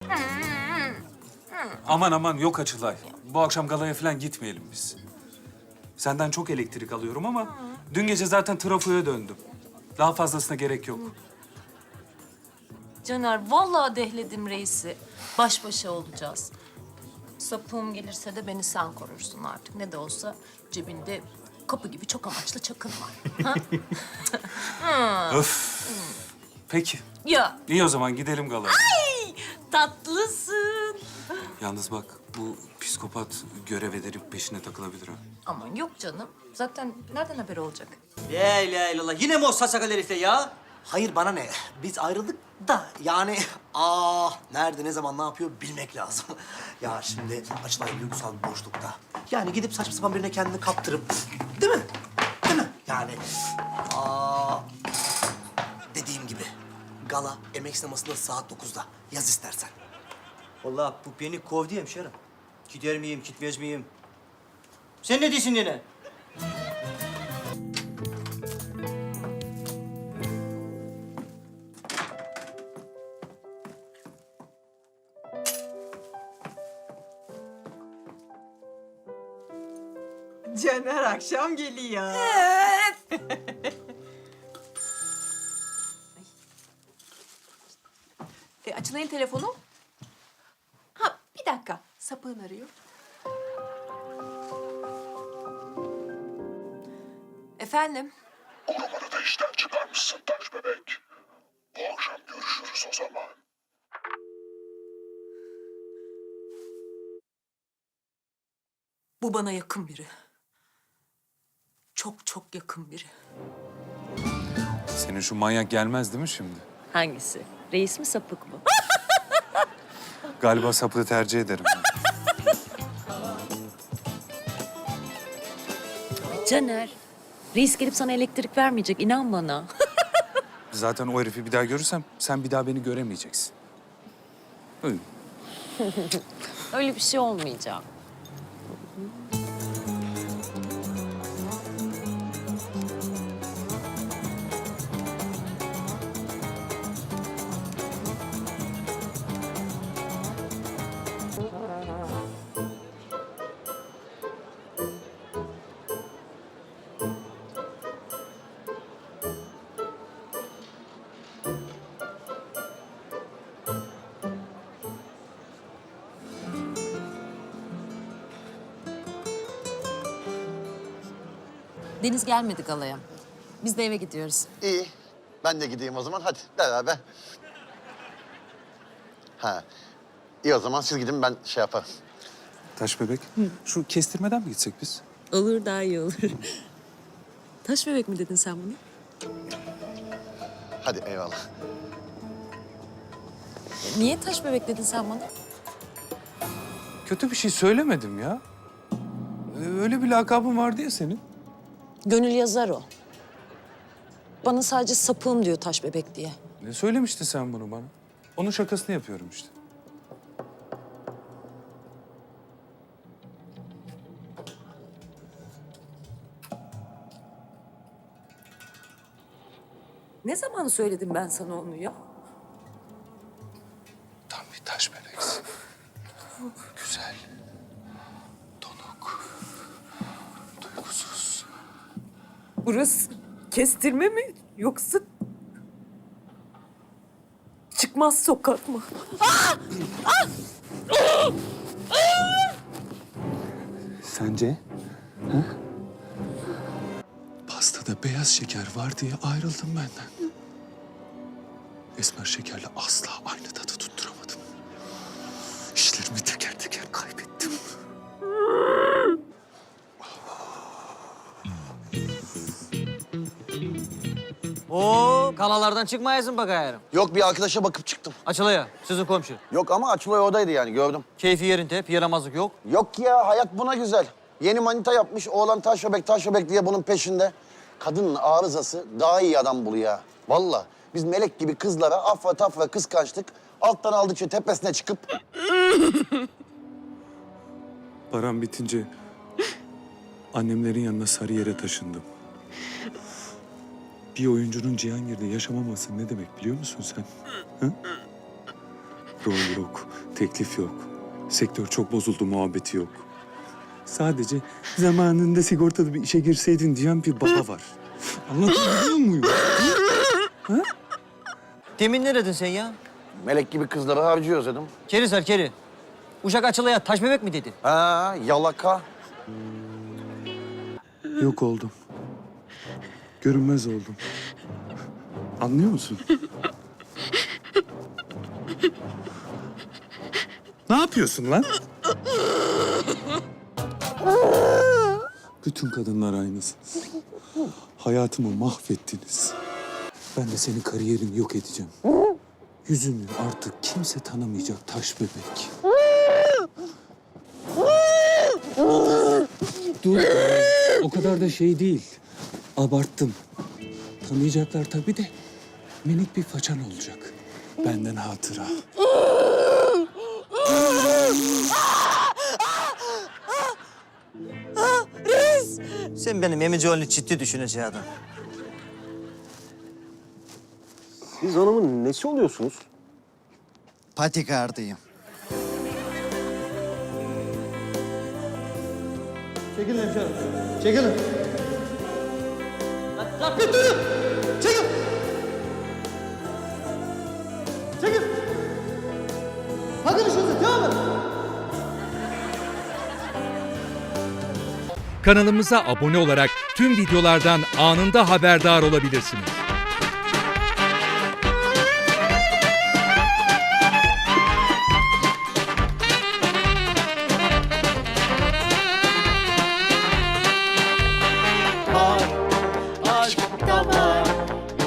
Aman aman yok Açılay. Bu akşam galaya falan gitmeyelim biz. Senden çok elektrik alıyorum ama dün gece zaten trafoya döndüm. Daha fazlasına gerek yok. Caner, vallahi dehledim reisi. Baş başa olacağız. Sapığım gelirse de beni sen korursun artık. Ne de olsa cebinde kapı gibi çok amaçlı çakın var. Ha? Öf. Peki. Ya, İyi o zaman gidelim galaya. tatlısın. Yalnız bak bu psikopat görev edip peşine takılabilir ha. Aman yok canım. Zaten nereden haber olacak? La ilahe illallah. Yine mi o saçakal herifle ya? Hayır bana ne? Biz ayrıldık da yani nerede ne zaman ne yapıyor bilmek lazım. Ya şimdi Açılay duygusal bir boşlukta. Yani gidip saçma sapan birine kendini kaptırıp değil mi? Değil mi? Yani dediğim gibi gala emek sinemasında saat 9'da. Yaz istersen. Vallahi bu beni kovdu hemşerim. Gider miyim, gitmez miyim? Sen ne diyorsun yine? Caner akşam geliyor. Açılay'ın telefonu. Ha, bir dakika. Sapığın arıyor. Efendim? O numarada işten çıkarmışsın taş bebek. Bu akşam görüşürüz o zaman. Bu bana yakın biri. Çok çok yakın biri. Senin şu manyak gelmez değil mi şimdi? Hangisi? Reis mi sapık mı? Galiba sapığı tercih ederim. Caner, reis gelip sana elektrik vermeyecek. İnan bana. Zaten o herifi bir daha görürsem sen bir daha beni göremeyeceksin. Öyle. Öyle bir şey olmayacak. Deniz gelmedi galaya. Biz de eve gidiyoruz. İyi. Ben de gideyim o zaman. Hadi beraber. Ha. İyi o zaman siz gidin ben şey yaparım. Taş bebek. Şu kestirmeden mi gitsek biz? Olur, daha iyi olur. Taş bebek mi dedin sen bunu? Hadi eyvallah. Niye taş bebek dedin sen bana? Kötü bir şey söylemedim ya. Öyle bir lakabın vardı ya senin. Gönül yazar o. Bana sadece sapığım diyor taş bebek diye. Ne söylemiştin sen bunu bana? Onun şakasını yapıyorum işte. Ne zaman söyledim ben sana onu ya? Tam bir taş bebeksin. Güzel. Donuk. Duygusuz. Burası kestirme mi yoksa çıkmaz sokak mı? Sence? Ha? Pastada beyaz şeker var diye ayrıldım benden. Esmer şekerle asla aynı tadı tutturamadım. İşlerimi teker teker kaybettim. Oo, kalalardan çıkmayasın bakayım. Yok bir arkadaşa bakıp çıktım. Açılaya, sizin komşu. Yok ama Açılay oradaydı yani gördüm. Keyfi yerinde, bir yaramazlık yok. Yok ya hayat buna güzel. Yeni manita yapmış oğlan taş bebek diye bunun peşinde. Kadının arızası daha iyi adam buluyor ya. Vallahi biz melek gibi kızlara afra tafra kıskançlık. Alttan aldıkça tepesine çıkıp Param bitince annemlerin yanına Sarıyer'e taşındım. Bir oyuncunun Cihangir'de yaşamaması ne demek biliyor musun sen? Ha? Rol yok, teklif yok. Sektör çok bozuldu muhabbeti yok. Sadece zamanında sigortalı bir işe girseydin diyen bir baba var. Anlatabiliyor muyum? Demin ne dedin sen ya? Melek gibi kızları harcıyoruz dedim. Keri sar keri. Uşak açılaya taş bebek mi dedin? Ha, yalaka. Yok oldum. Görünmez oldum. Anlıyor musun? Ne yapıyorsun lan? Bütün kadınlar aynısınız. Hayatımı mahvettiniz. Ben de senin kariyerini yok edeceğim. Yüzünü artık kimse tanımayacak taş bebek. Dur. O kadar da şey değil. Abarttım. Tanıyacaklar tabii de minik bir façan olacak. Benden hatıra. Sen benim emici ciddi düşüneceksin adam. Siz hanımın nesi oluyorsunuz? Patikardıyım. Çekilin hemşerim. Çekilin. Lan bir durun. Çekil. Çekil. Bakın işinize devam edin. Kanalımıza abone olarak tüm videolardan anında haberdar olabilirsiniz.